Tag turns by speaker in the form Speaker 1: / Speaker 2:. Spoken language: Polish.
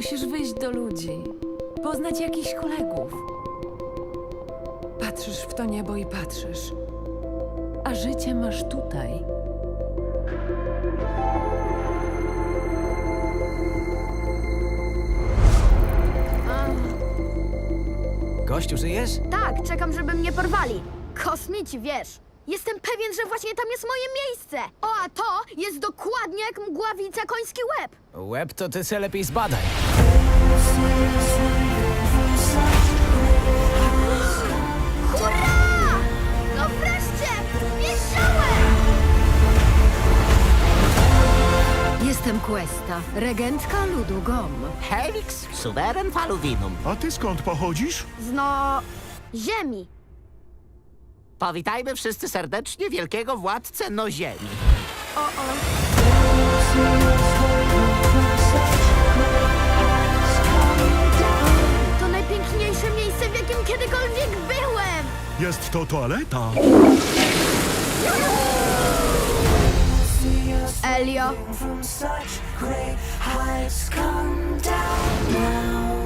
Speaker 1: Musisz wyjść do ludzi, poznać jakichś kolegów. Patrzysz w to niebo i patrzysz, a życie masz tutaj.
Speaker 2: Gościu, żyjesz?
Speaker 3: Tak, czekam, żeby mnie porwali. Kosmici, wiesz. Jestem pewien, że właśnie tam jest moje miejsce. O, a to jest dokładnie jak mgławica koński łeb.
Speaker 2: Łeb to ty se lepiej zbadaj.
Speaker 3: Hurra! No wreszcie! Wiedziałem! Jestem Questa, regentka ludu Gom.
Speaker 4: Helix suweren faluvinum.
Speaker 5: A ty skąd pochodzisz?
Speaker 3: Ziemi.
Speaker 4: Powitajmy wszyscy serdecznie wielkiego władcę no ziemi.
Speaker 3: To najpiękniejsze miejsce, w jakim kiedykolwiek byłem.
Speaker 5: Jest to toaleta.
Speaker 3: Elio,
Speaker 6: from such great heights come down now.